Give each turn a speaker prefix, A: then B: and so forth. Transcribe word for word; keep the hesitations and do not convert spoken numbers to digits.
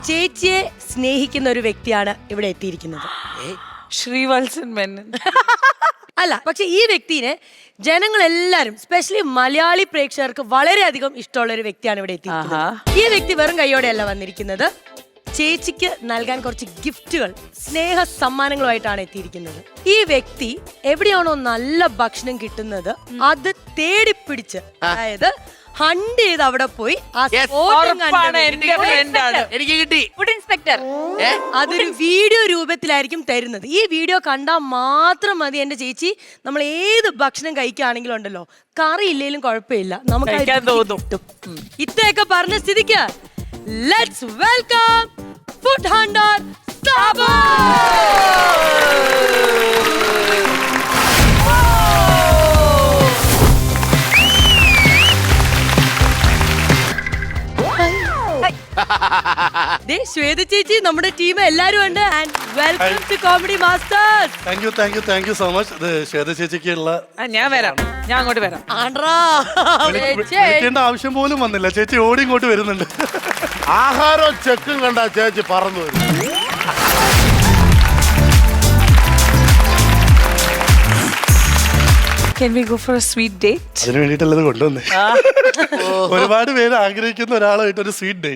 A: ചേച്ചിയെ സ്നേഹിക്കുന്ന ഒരു വ്യക്തിയാണ് ഇവിടെ എത്തിയിരിക്കുന്നത്.
B: ശ്രീവത്സൻ മേനൻ.
A: അല്ല, പക്ഷെ ഈ വ്യക്തിനെ ജനങ്ങളെല്ലാരും സ്പെഷ്യലി മലയാളി പ്രേക്ഷകർക്ക് വളരെയധികം ഇഷ്ടമുള്ള ഒരു വ്യക്തിയാണ് ഇവിടെ എത്തിയിരിക്കുന്നത്. ഈ വ്യക്തി വെറും കൈയോടെയല്ല വന്നിരിക്കുന്നത്. ചേച്ചിക്ക് നൽകാൻ കുറച്ച് ഗിഫ്റ്റുകൾ, സ്നേഹ സമ്മാനങ്ങളുമായിട്ടാണ് എത്തിയിരിക്കുന്നത്. ഈ വ്യക്തി എവിടെയാണോ നല്ല ഭക്ഷണം കിട്ടുന്നത് അത് തേടിപ്പിടിച്ച്, അതായത് ഹണ്ട് ചെയ്ത് അവിടെ പോയി
C: എനിക്ക് കിട്ടി
B: ഫുഡ് ഇൻസ്പെക്ടർ.
A: അതൊരു വീഡിയോ രൂപത്തിലായിരിക്കും തരുന്നത്. ഈ വീഡിയോ കണ്ടാൽ മാത്രം മതി എന്റെ ചേച്ചി നമ്മൾ ഏത് ഭക്ഷണം കഴിക്കുകയാണെങ്കിലും ഉണ്ടല്ലോ, കറി ഇല്ലെങ്കിലും കുഴപ്പമില്ല, നമുക്ക് ഇത്രയൊക്കെ പറഞ്ഞ സ്ഥിതിക്ക് let's welcome food hunter Sabu. Shweta ചേച്ചി, നമ്മുടെ ടീം എല്ലാരും ഉണ്ട്. And welcome to comedy masters.
D: Thank you thank you thank you so much. ഇത് ശ്വേത ചേച്ചിക്കുള്ള
B: ഞാൻ വരാം, ഞാൻ അങ്ങോട്ട് വരാം.
D: വിളിക്കേണ്ട ആവശ്യം പോലും വന്നില്ല, ചേച്ചി ഓടി ഇങ്ങോട്ട് വരുന്നുണ്ട്.
C: ആഹാരവും ചെക്കും കണ്ട ചേച്ചി പറന്നു വരും.
B: Can we go for a sweet date?
D: അതിന് വേണ്ടിയിട്ടല്ലത് കൊണ്ടുവന്നേ. ഒരുപാട് പേര് ആഗ്രഹിക്കുന്ന ഒരാളായിട്ട് ഒരു സ്വീറ്റ് ഡേറ്റ്.